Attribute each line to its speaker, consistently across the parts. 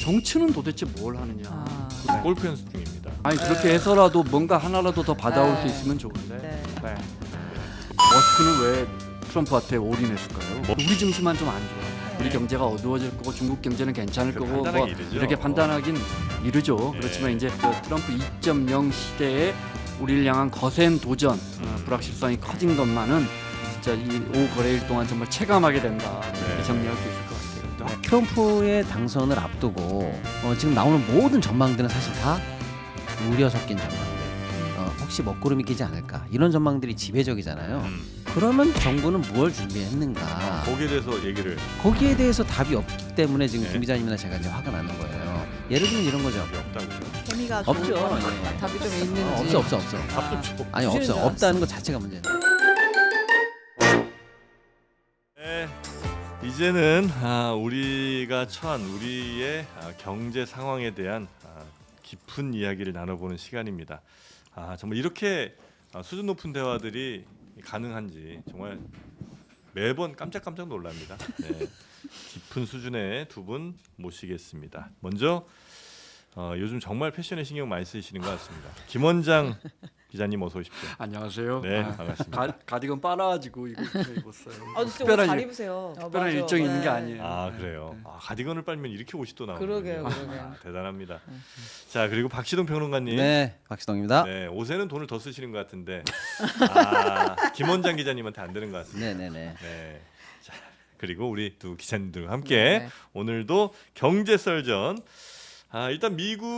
Speaker 1: 정치는 도대체 뭘 하느냐.
Speaker 2: 골프 연습 중입니다.
Speaker 1: 아니 그렇게 해서라도 뭔가 하나라도 더 받아올 수 있으면 좋은데.
Speaker 3: 네.
Speaker 1: 네. 머스크는 왜 트럼프한테 올인했을까요? 우리 증시만 좀 안 좋아. 우리 경제가 어두워질 거고 중국 경제는 괜찮을 거고 뭐
Speaker 2: 판단하기 이르죠.
Speaker 1: 이렇게 판단하긴 이르죠.
Speaker 2: 네.
Speaker 1: 그렇지만 이제 그 트럼프 2.0 시대에 우리를 향한 거센 도전, 불확실성이 커진 것만은 진짜 이 5거래일 동안 정말 체감하게 된다. 이렇게
Speaker 2: 네.
Speaker 1: 정리할 수 있을 것 같아요.
Speaker 4: 트럼프의 당선을 앞두고 지금 나오는 모든 전망들은 사실 다 우려 섞인 전망들. 혹시 먹구름이 끼지 않을까 이런 전망들이 지배적이잖아요. 그러면 정부는 무엇을 준비했는가?
Speaker 2: 거기에 대해서 얘기를
Speaker 4: 거기에 대해서 답이 없기 때문에 지금
Speaker 2: 네.
Speaker 4: 김 기자님이나 제가 이제 화가 나는 거예요. 예를 들면 이런 거죠.
Speaker 2: 답이 없다고요.
Speaker 3: 재미가
Speaker 4: 없죠.
Speaker 3: 좋은 건
Speaker 4: 예.
Speaker 3: 답이 좀 있는지.
Speaker 4: 없어.
Speaker 2: 답 좀 줘.
Speaker 4: 아니
Speaker 3: 주시는
Speaker 4: 없어.
Speaker 3: 줄
Speaker 4: 없다는 것 자체가 문제예요.
Speaker 2: 네. 이제는 우리가 처한 우리의 경제 상황에 대한 깊은 이야기를 나눠보는 시간입니다. 정말 이렇게 수준 높은 대화들이 가능한지 정말 매번 깜짝깜짝 놀랍니다. 네. 깊은 수준의 두 분 모시겠습니다. 먼저 요즘 정말 패션에 신경 많이 쓰시는 것 같습니다. 김원장 기자님 어서 오십시오.
Speaker 1: 안녕하세요.
Speaker 2: 네, 반갑습니다.
Speaker 1: 가디건 빨아가지고 이렇게 입었어요.
Speaker 3: 아, 진짜
Speaker 1: 특별한
Speaker 3: 잘
Speaker 1: 일-
Speaker 3: 입으세요.
Speaker 1: 특별한 일정이 있는 게 아니에요.
Speaker 2: 그래요. 가디건을 빨면 이렇게 옷이 또 나오네요.
Speaker 3: 그러게요.
Speaker 2: 대단합니다. 자, 그리고 박시동 평론가님.
Speaker 4: 네, 박시동입니다.
Speaker 2: 네, 옷에는 돈을 더 쓰시는 것 같은데 김원장 기자님한테 안 되는 것 같습니다.
Speaker 4: 네네네.
Speaker 2: 네. 자, 그리고 우리 두 기자님들과 함께
Speaker 3: 네.
Speaker 2: 오늘도 경제 썰전. 일단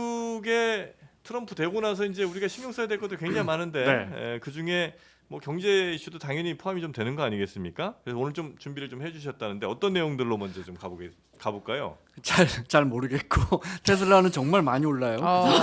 Speaker 2: 미국의 트럼프 되고 나서 이제 우리가 신경 써야 될 것도 굉장히 많은데
Speaker 1: 네.
Speaker 2: 그 중에 뭐 경제 이슈도 당연히 포함이 좀 되는 거 아니겠습니까? 그래서 오늘 좀 준비를 좀 해주셨다는데 어떤 내용들로 먼저 좀 가볼까요?
Speaker 1: 잘 모르겠고 테슬라는 정말 많이 올라요.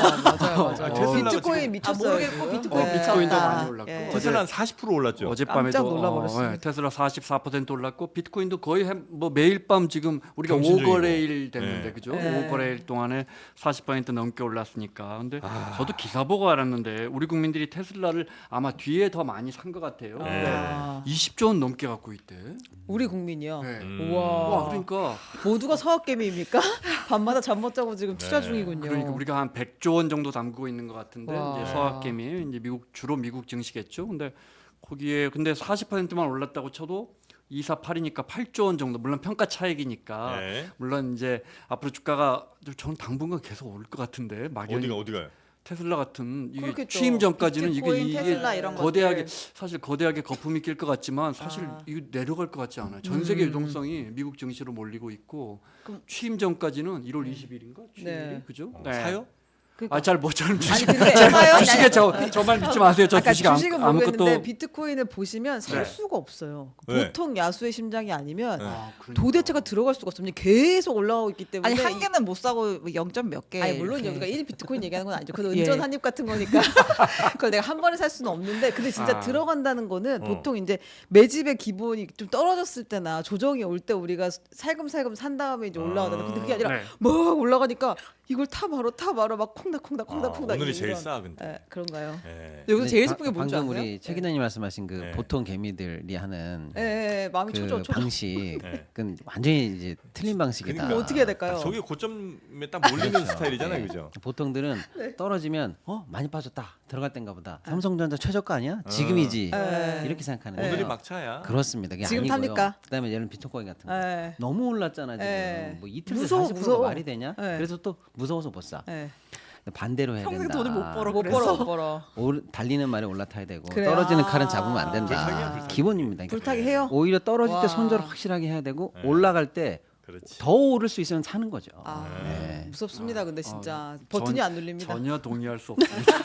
Speaker 3: 맞아요.
Speaker 2: 테슬라가
Speaker 3: 비트코인
Speaker 2: 지금-
Speaker 3: 미쳤어요.
Speaker 5: 모르겠고 비트코인
Speaker 1: 비트코인도
Speaker 5: 미쳤다.
Speaker 1: 많이 올랐고
Speaker 3: 예.
Speaker 2: 테슬라 한 40% 올랐죠.
Speaker 1: 어젯밤에도
Speaker 3: 깜짝 놀라버렸습니다.
Speaker 1: 테슬라 44% 올랐고 비트코인도 거의 뭐 매일 밤 지금 우리가
Speaker 2: 정신적이고.
Speaker 1: 5거래일 됐는데
Speaker 2: 네.
Speaker 1: 그죠?
Speaker 3: 네.
Speaker 1: 5거래일 동안에 40% 넘게 올랐으니까. 근데 저도 기사 보고 알았는데 우리 국민들이 테슬라를 아마 뒤에 더 많이 산 것 같아요.
Speaker 2: 네.
Speaker 3: 아,
Speaker 1: 20조 원 넘게 갖고 있대.
Speaker 3: 우리 국민이요.
Speaker 1: 네.
Speaker 3: 우와.
Speaker 1: 와, 그러니까
Speaker 3: 모두가 서학개미입니까? 밤마다 잠 못 자고 지금 투자
Speaker 2: 네.
Speaker 3: 중이군요.
Speaker 1: 그러니까 우리가 한 100조 원 정도 담그고 있는 것 같은데
Speaker 3: 와.
Speaker 1: 이제 서학개미 이제 주로 미국 증시겠죠. 근데 거기에 근데 40%만 올랐다고 쳐도 248이니까 8조 원 정도. 물론 평가 차익이니까.
Speaker 2: 네.
Speaker 1: 물론 이제 앞으로 주가가 저는 당분간 계속 오를 것 같은데 막연히
Speaker 2: 어디가요?
Speaker 1: 테슬라 같은 이게
Speaker 3: 그렇겠죠.
Speaker 1: 취임 전까지는
Speaker 3: 비트코인,
Speaker 1: 이게
Speaker 3: 테슬라 이런
Speaker 1: 거대하게
Speaker 3: 것들.
Speaker 1: 사실 거대하게 거품이 낄 것 같지만 사실 이거 내려갈 것 같지 않아요. 전 세계 유동성이 미국 증시로 몰리고 있고
Speaker 3: 그럼-
Speaker 1: 취임 전까지는 1월 20일인가 취임일이
Speaker 3: 네.
Speaker 1: 그죠?
Speaker 2: 사요?
Speaker 1: 아 잘 못 저는
Speaker 3: 아니
Speaker 1: 주식
Speaker 3: 근데 봐요.
Speaker 1: 주식에 저말 믿지 마세요. 저
Speaker 3: 아까
Speaker 1: 주식
Speaker 3: 주식은 모르겠는데
Speaker 1: 아무것도
Speaker 3: 비트코인을 보시면 살
Speaker 1: 네.
Speaker 3: 수가 없어요.
Speaker 2: 왜?
Speaker 3: 보통 야수의 심장이 아니면
Speaker 2: 네.
Speaker 1: 그러니까.
Speaker 3: 도대체가 들어갈 수가 없습니다. 계속 올라오고 있기 때문에
Speaker 5: 아니 한 개는 못 사고 0점 몇 개.
Speaker 3: 아니 물론
Speaker 5: 이렇게.
Speaker 3: 여기가 1 비트코인 얘기하는 건 아니죠. 그건
Speaker 5: 예.
Speaker 3: 은전 한입 같은 거니까 그걸 내가 한 번에 살 수는 없는데 근데 진짜
Speaker 1: 아.
Speaker 3: 들어간다는 거는
Speaker 2: 어.
Speaker 3: 보통 이제 매집의 기본이 좀 떨어졌을 때나 조정이 올 때 우리가 살금살금 산 다음에 이제 올라가잖아요. 근데 그게 아니라
Speaker 1: 네.
Speaker 3: 막 올라가니까 이걸 타 바로 막 콩닥콩닥
Speaker 2: 오늘이 제일
Speaker 3: 이런.
Speaker 2: 싸 근데.
Speaker 3: 네, 그런가요?
Speaker 2: 네.
Speaker 3: 여기서 제일
Speaker 4: 바-
Speaker 3: 슬픈 게 뭔지
Speaker 4: 방금
Speaker 3: 아세요?
Speaker 4: 우리 최 기자님 말씀하신 그
Speaker 2: 네.
Speaker 4: 보통 개미들이 하는
Speaker 3: 마음이
Speaker 4: 그
Speaker 3: 초조.
Speaker 4: 방식,
Speaker 2: 네.
Speaker 4: 그건 완전히 이제 틀린 방식이다.
Speaker 2: 그러니까.
Speaker 3: 어떻게 해야 될까요?
Speaker 2: 저게 고점에 딱 몰리는 스타일이잖아요,
Speaker 4: 네.
Speaker 2: 그죠?
Speaker 4: 보통들은
Speaker 3: 네.
Speaker 4: 떨어지면 많이 빠졌다 들어갈 땐가 보다. 삼성전자 최저가 아니야? 지금이지.
Speaker 3: 네.
Speaker 4: 이렇게 생각하는
Speaker 2: 오늘이
Speaker 4: 거예요.
Speaker 2: 막차야.
Speaker 4: 그렇습니다. 그게
Speaker 3: 지금
Speaker 4: 아니고요.
Speaker 3: 탑니까?
Speaker 4: 그다음에 예를 들면 비트코인 같은 거.
Speaker 3: 네.
Speaker 4: 너무 올랐잖아 지금.
Speaker 3: 네.
Speaker 4: 뭐 이틀 새
Speaker 3: 무서워,
Speaker 4: 40%가
Speaker 3: 무서워.
Speaker 4: 말이 되냐?
Speaker 3: 네.
Speaker 4: 그래서 또 무서워서 못 사.
Speaker 3: 네.
Speaker 4: 반대로 해야
Speaker 5: 평생
Speaker 4: 된다.
Speaker 5: 돈을 못 벌어.
Speaker 3: 못
Speaker 5: 그래서?
Speaker 3: 벌어 못 벌어.
Speaker 4: 달리는 말에 올라타야 되고
Speaker 3: 그래요?
Speaker 4: 떨어지는
Speaker 3: 아.
Speaker 4: 칼은 잡으면 안 된다.
Speaker 2: 불타기야, 불타기.
Speaker 4: 기본입니다. 그러니까
Speaker 3: 불타기 해요?
Speaker 4: 오히려 떨어질
Speaker 3: 와.
Speaker 4: 때 손절 확실하게 해야 되고
Speaker 2: 네.
Speaker 4: 올라갈 때 더
Speaker 2: 그렇지.
Speaker 4: 오를 수 있으면 사는 거죠.
Speaker 3: 아,
Speaker 4: 네.
Speaker 3: 무섭습니다. 근데 진짜
Speaker 1: 아,
Speaker 3: 버튼이
Speaker 1: 전-
Speaker 3: 안 눌립니다.
Speaker 1: 전혀 동의할 수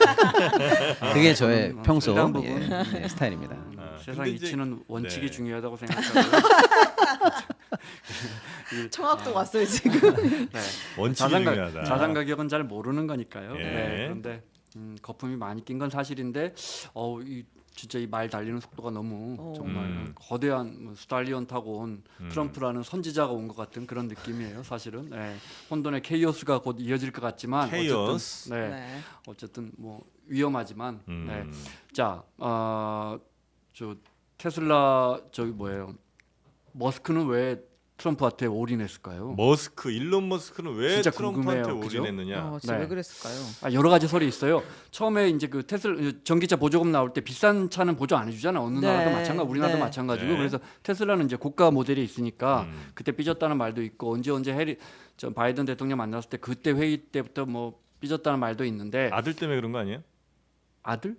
Speaker 1: 없습니다.
Speaker 4: 그게 저의 평소
Speaker 1: 일단 부분.
Speaker 4: 스타일입니다.
Speaker 1: 세상
Speaker 2: 근데 이제-
Speaker 1: 이치는 원칙이
Speaker 2: 네.
Speaker 1: 중요하다고 생각하고요.
Speaker 3: 청학도 왔어요 지금.
Speaker 1: 네.
Speaker 2: 원칙이 중요하다.
Speaker 1: 자산 가격은 잘 모르는 거니까요.
Speaker 2: 예.
Speaker 1: 네, 그런데 거품이 많이 낀 건 사실인데 진짜 이 말 달리는 속도가 너무 정말 거대한 스탈리온 타고 온 트럼프라는 선지자가 온 것 같은 그런 느낌이에요. 사실은 네. 혼돈의 케이오스가 곧 이어질 것 같지만
Speaker 2: 케이오스.
Speaker 1: 어쨌든,
Speaker 3: 네.
Speaker 1: 어쨌든 뭐 위험하지만
Speaker 2: 음.
Speaker 1: 네. 자, 저 테슬라 저기 뭐예요? 머스크는 왜 트럼프한테 올인했을까요?
Speaker 2: 머스크, 일론 머스크는 왜
Speaker 1: 진짜
Speaker 2: 트럼프한테
Speaker 1: 궁금해요. 그죠?
Speaker 2: 올인했느냐?
Speaker 3: 진짜
Speaker 1: 네.
Speaker 3: 왜 그랬을까요?
Speaker 1: 여러 가지 설이 있어요. 처음에 이제 그 테슬라 전기차 보조금 나올 때 비싼 차는 보조 안 해주잖아. 어느
Speaker 3: 네.
Speaker 1: 나라도 마찬가지, 우리나라도
Speaker 3: 네.
Speaker 1: 마찬가지고.
Speaker 2: 네.
Speaker 1: 그래서 테슬라는 이제 고가 모델이 있으니까
Speaker 2: 음.
Speaker 1: 그때 삐졌다는 말도 있고 언제 저 바이든 대통령 만났을 때 그때 회의 때부터 뭐 삐졌다는 말도 있는데
Speaker 2: 아들 때문에 그런 거 아니에요?
Speaker 1: 아들?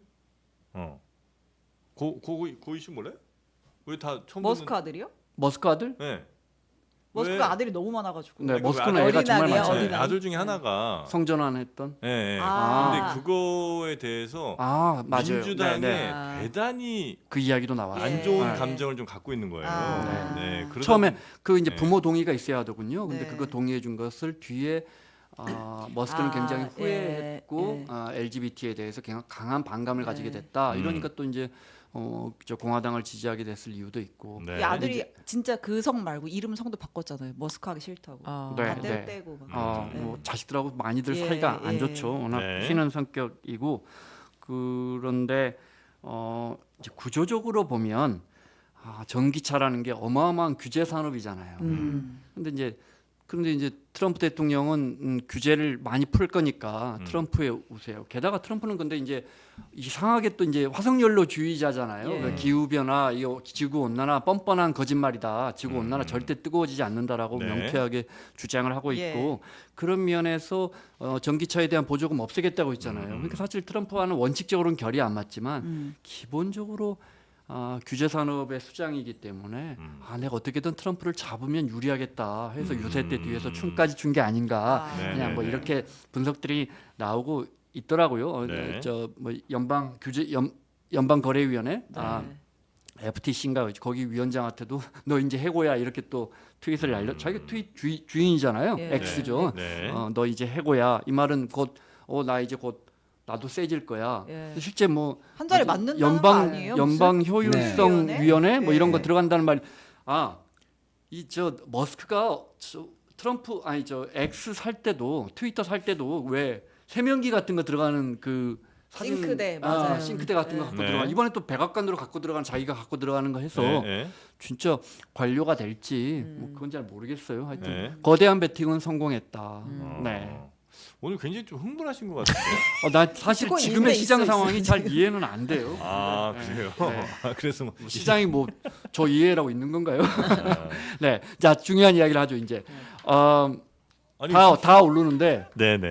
Speaker 2: 고 이슈 몰래? 우리 다 처음
Speaker 3: 머스크 아들이요?
Speaker 1: 머스크 아들?
Speaker 2: 네.
Speaker 3: 머스크
Speaker 2: 왜?
Speaker 3: 아들이 너무 많아가지고.
Speaker 1: 네,
Speaker 2: 그
Speaker 1: 머스크는
Speaker 3: 아들-
Speaker 1: 애가 정말
Speaker 3: 어린아이예요,
Speaker 1: 많잖아요.
Speaker 3: 어린아이.
Speaker 2: 아들 중에 하나가
Speaker 1: 성전환했던.
Speaker 2: 예. 예.
Speaker 3: 아.
Speaker 2: 근데 그거에 대해서
Speaker 1: 맞아요.
Speaker 2: 민주당에
Speaker 1: 네, 네.
Speaker 3: 아.
Speaker 2: 대단히
Speaker 1: 그 이야기도 나와요.
Speaker 2: 안
Speaker 3: 예.
Speaker 2: 좋은
Speaker 1: 네.
Speaker 2: 감정을 좀 갖고 있는 거예요.
Speaker 3: 아.
Speaker 2: 네. 그러다
Speaker 1: 처음에 그 이제
Speaker 2: 네.
Speaker 1: 부모 동의가 있어야 하더군요. 근데
Speaker 3: 네.
Speaker 1: 그거 동의해 준 것을 뒤에 머스크는
Speaker 3: 아,
Speaker 1: 굉장히
Speaker 3: 예,
Speaker 1: 후회했고
Speaker 3: 예.
Speaker 1: LGBT에 대해서 강한 반감을 가지게 됐다. 이러니까 또 이제 저 공화당을 지지하게 됐을 이유도 있고.
Speaker 2: 네.
Speaker 5: 이 아들이 진짜 그 성 말고 이름 성도 바꿨잖아요. 머스크 하기 싫다고.
Speaker 3: 아.
Speaker 1: 네,
Speaker 5: 다
Speaker 1: 네.
Speaker 5: 떼고 막.
Speaker 1: 뭐 자식들하고 많이들
Speaker 5: 예,
Speaker 1: 사이가 안
Speaker 5: 예.
Speaker 1: 좋죠. 워낙
Speaker 2: 네.
Speaker 1: 튀는 성격이고 그런데 이제 구조적으로 보면 전기차라는 게 어마어마한 규제 산업이잖아요. 그런데 이제 트럼프 대통령은 규제를 많이 풀 거니까 트럼프의 우세요. 게다가 트럼프는 근데 이제 이상하게 또 이제 화석연료주의자잖아요.
Speaker 3: 예.
Speaker 1: 그 기후 변화, 이 지구 온난화 뻔뻔한 거짓말이다. 지구 온난화 절대 뜨거워지지 않는다라고
Speaker 2: 네.
Speaker 1: 명쾌하게 주장을 하고
Speaker 3: 예.
Speaker 1: 있고 그런 면에서 전기차에 대한 보조금 없애겠다고 했잖아요. 그러니까 사실 트럼프와는 원칙적으로는 결이 안 맞지만 기본적으로 규제 산업의 수장이기 때문에 내가 어떻게든 트럼프를 잡으면 유리하겠다 해서 유세 때 뒤에서 춤까지 춘 게 아닌가
Speaker 2: 네,
Speaker 1: 그냥 뭐
Speaker 2: 네, 네.
Speaker 1: 이렇게 분석들이 나오고 있더라고요.
Speaker 2: 네.
Speaker 1: 저 뭐 연방 거래위원회 FTC인가 거기 위원장한테도 너 이제 해고야 이렇게 또 트윗을 자기가 트윗 주인이잖아요.
Speaker 3: 예.
Speaker 1: X죠.
Speaker 2: 네.
Speaker 1: 너 이제 해고야. 이 말은 곧 나 이제 곧 나도 세질 거야.
Speaker 3: 예.
Speaker 1: 실제 뭐
Speaker 5: 한 자리
Speaker 1: 뭐지?
Speaker 5: 맞는다는 거 아니에요?
Speaker 1: 연방
Speaker 5: 무슨?
Speaker 1: 효율성
Speaker 3: 네.
Speaker 1: 위원회 뭐 이런 거
Speaker 3: 네.
Speaker 1: 들어간다는 말. 이 저 머스크가 트럼프 저 X 살 때도 트위터 살 때도 왜 세면기 같은 거 들어가는 그 사진
Speaker 3: 싱크대, 맞아요.
Speaker 1: 싱크대 같은 거
Speaker 3: 네.
Speaker 1: 갖고
Speaker 2: 네.
Speaker 1: 들어가. 이번에 또 백악관으로 갖고 들어가는 자기가 갖고 들어가는 거 해서
Speaker 2: 네, 네.
Speaker 1: 진짜 관료가 될지 뭐 그건 잘 모르겠어요. 하여튼
Speaker 2: 네.
Speaker 1: 거대한 배팅은 성공했다.
Speaker 2: 어.
Speaker 1: 네.
Speaker 2: 오늘 굉장히 좀 흥분하신 것 같은데.
Speaker 1: 나 사실
Speaker 3: 듣고
Speaker 1: 지금의
Speaker 3: 있는데
Speaker 1: 시장
Speaker 3: 있어,
Speaker 1: 상황이
Speaker 3: 있어,
Speaker 1: 잘 이해는 안 돼요.
Speaker 2: 그래요.
Speaker 1: 네.
Speaker 2: 그래서 뭐
Speaker 1: 시장이 뭐 저 이해라고 있는 건가요?
Speaker 2: 아,
Speaker 1: 네. 자 중요한 이야기를 하죠 이제.
Speaker 2: 아니,
Speaker 1: 다 오르는데
Speaker 2: 네네.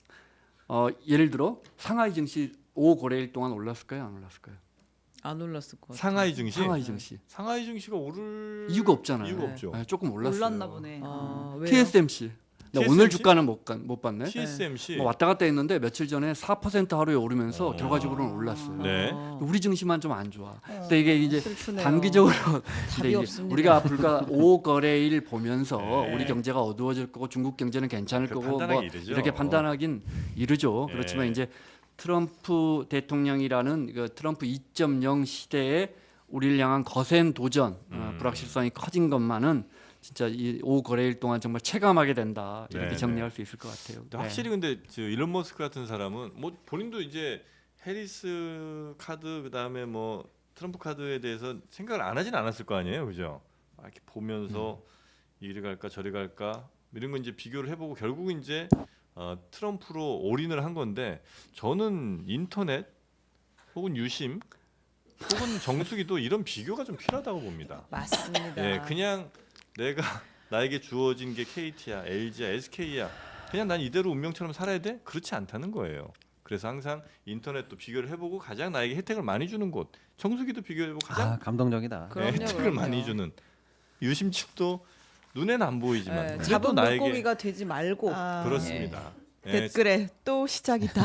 Speaker 1: 예를 들어 상하이 증시 5거래일 동안 올랐을까요? 안 올랐을까요?
Speaker 3: 안 올랐을 것 같아요.
Speaker 2: 상하이 증시.
Speaker 1: 상하이 증시
Speaker 2: 상하이 증시가 오를
Speaker 1: 이유가 없잖아요.
Speaker 2: 이유가 없죠.
Speaker 1: 네, 조금 올랐어요.
Speaker 5: 올랐나 보네.
Speaker 3: 왜요?
Speaker 1: TSMC. 나
Speaker 2: TSMC?
Speaker 1: 오늘 주가는 못 봤네.
Speaker 2: TSMC.
Speaker 1: 뭐 왔다 갔다 했는데 며칠 전에 4% 하루에 오르면서
Speaker 2: 어.
Speaker 1: 결과적으로는 올랐어요.
Speaker 2: 네.
Speaker 1: 우리 증시만 좀 안 좋아. 근데 이게 이제
Speaker 3: 슬프네요.
Speaker 1: 단기적으로 근데 이제
Speaker 3: 없습니다.
Speaker 1: 우리가 불과 5거래일 보면서
Speaker 2: 네.
Speaker 1: 우리 경제가 어두워질 거고 중국 경제는 괜찮을
Speaker 2: 그
Speaker 1: 거고 뭐
Speaker 2: 판단하기 이르죠.
Speaker 1: 이렇게 판단하긴 이르죠.
Speaker 2: 네.
Speaker 1: 그렇지만 이제 트럼프 대통령이라는 그 트럼프 2.0 시대에 우리를 향한 거센 도전, 불확실성이 커진 것만은 진짜 이 5거래일 동안 정말 체감하게 된다 이렇게
Speaker 2: 네,
Speaker 1: 정리할 수 있을 것 같아요.
Speaker 2: 근데 확실히 근데 저 일론 머스크 같은 사람은 뭐 본인도 이제 해리스 카드 그다음에 뭐 트럼프 카드에 대해서 생각을 안 하진 않았을 거 아니에요, 그죠? 이렇게 보면서 이리 갈까 저리 갈까 이런 거 이제 비교를 해보고 결국 이제 트럼프로 올인을 한 건데 저는 인터넷 혹은 유심 혹은 정수기도 이런 비교가 좀 필요하다고 봅니다.
Speaker 3: 맞습니다.
Speaker 2: 예, 그냥 내가 나에게 주어진 게 KT야, LG야, SK야. 그냥 난 이대로 운명처럼 살아야 돼? 그렇지 않다는 거예요. 그래서 항상 인터넷도 비교를 해보고 가장 나에게 혜택을 많이 주는 곳, 정수기도 비교해보고 가장
Speaker 4: 감동적이다.
Speaker 3: 그럼요,
Speaker 2: 혜택을
Speaker 3: 그럼요.
Speaker 2: 많이 주는 유심칩도 눈에는 안 보이지만
Speaker 3: 네,
Speaker 2: 그래도
Speaker 3: 잡은
Speaker 2: 나에게
Speaker 3: 물고기가 되지 말고
Speaker 2: 그렇습니다. 예,
Speaker 5: 댓글에 또 시작이다.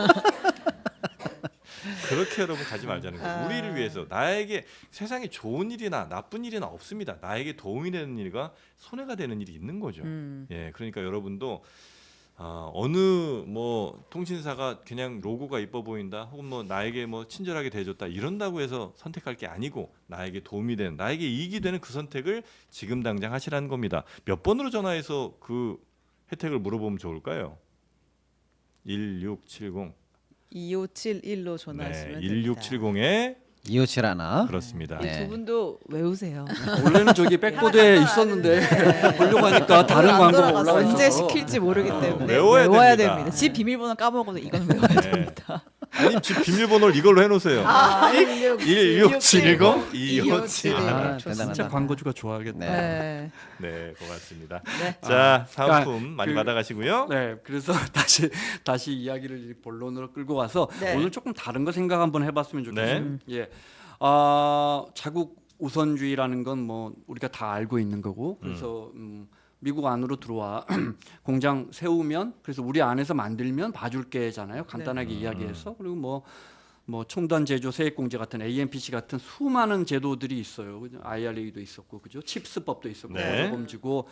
Speaker 2: 그렇게 여러분 가지 말자는 거예요. 우리를 위해서 나에게 세상에 좋은 일이나 나쁜 일이나 없습니다. 나에게 도움이 되는 일과 손해가 되는 일이 있는 거죠. 예, 그러니까 여러분도 어느 뭐 통신사가 그냥 로고가 이뻐 보인다, 혹은 뭐 나에게 뭐 친절하게 대해줬다 이런다고 해서 선택할 게 아니고 나에게 도움이 되는, 나에게 이익이 되는 그 선택을 지금 당장 하시라는 겁니다. 몇 번으로 전화해서 그 혜택을 물어보면 좋을까요? 1670.
Speaker 3: 2571로
Speaker 2: 네,
Speaker 3: 전화하시면 됩니다.
Speaker 2: 1670에
Speaker 4: 257 하나.
Speaker 2: 그렇습니다.
Speaker 4: 네.
Speaker 3: 두 분도 외우세요.
Speaker 1: 원래는 저기 백보드에 있었는데 보려고 하니까 다른
Speaker 3: 안
Speaker 1: 광고가
Speaker 3: 돌아가서
Speaker 1: 올라와 있어서
Speaker 3: 언제 시킬지 모르기 때문에
Speaker 2: 외워야 됩니다.
Speaker 3: 집 비밀번호 까먹어도 이건 외워야
Speaker 2: 네.
Speaker 3: 됩니다.
Speaker 2: 아니 집 비밀번호를 이걸로 해놓으세요. 16710 257.
Speaker 4: 아,
Speaker 1: 진짜
Speaker 4: 대단하다.
Speaker 1: 광고주가 좋아하겠네.
Speaker 3: 네.
Speaker 2: 네, 고맙습니다.
Speaker 3: 네.
Speaker 2: 자,
Speaker 1: 그러니까
Speaker 2: 사은품 많이
Speaker 1: 그-
Speaker 2: 받아가시고요.
Speaker 1: 네, 그래서 다시 이야기를 본론으로 끌고 와서
Speaker 3: 네.
Speaker 1: 오늘 조금 다른 거 생각 한번 해봤으면 좋겠어요.
Speaker 2: 네.
Speaker 1: 예, 자국 우선주의라는 건 뭐 우리가 다 알고 있는 거고, 그래서 미국 안으로 들어와 공장 세우면 그래서 우리 안에서 만들면 봐줄게잖아요. 간단하게 이야기해서 그리고 뭐 첨단 제조 세액공제 같은 AMPC 같은 수많은 제도들이 있어요. 그죠? IRA도 있었고, 그죠? 칩스법도 있었고,
Speaker 2: 네.
Speaker 1: 범주고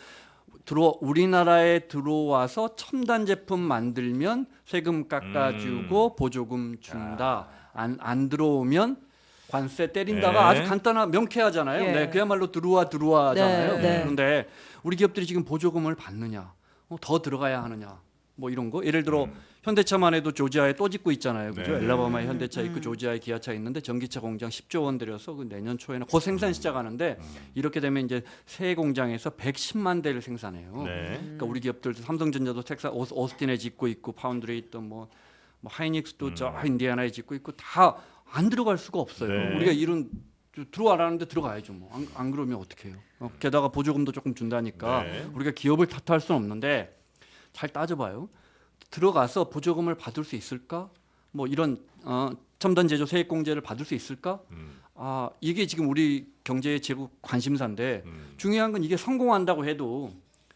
Speaker 1: 우리나라에 들어와서 첨단 제품 만들면 세금 깎아주고 보조금 준다. 안 들어오면 관세 때린다가
Speaker 2: 네.
Speaker 1: 아주 간단한 명쾌하잖아요.
Speaker 3: 예.
Speaker 1: 네, 그야말로 들어와잖아요.
Speaker 3: 네, 네.
Speaker 1: 그런데 우리 기업들이 지금 보조금을 받느냐, 더 들어가야 하느냐, 뭐 이런 거. 예를 들어 현대차만 해도 조지아에 또 짓고 있잖아요. 그죠?
Speaker 2: 네.
Speaker 1: 엘라바마에 현대차 있고 조지아에 기아차 있는데 전기차 공장 10조 원 들여서 그 내년 초에는 곧 생산 시작하는데 이렇게 되면 이제 새 공장에서 110만 대를 생산해요.
Speaker 2: 네.
Speaker 1: 그러니까 우리 기업들도 삼성전자도 텍사스 오스틴에 짓고 있고 파운드리에 있던 뭐 하이닉스도 저 인디애나에 짓고 있고 다 안 들어갈 수가 없어요.
Speaker 2: 네.
Speaker 1: 우리가 이런 들어와라는데 들어가야죠. 뭐 안 그러면 어떻게 해요? 게다가 보조금도 조금 준다니까
Speaker 2: 네.
Speaker 1: 우리가 기업을 탓할 수는 없는데 잘 따져봐요. 들어가서 보조금을 받을 수 있을까? 뭐 이런 첨단 제조 세액공제를 받을 수 있을까? 이게 지금 우리 경제의 제국 관심사인데 중요한 건 이게 성공한다고 해도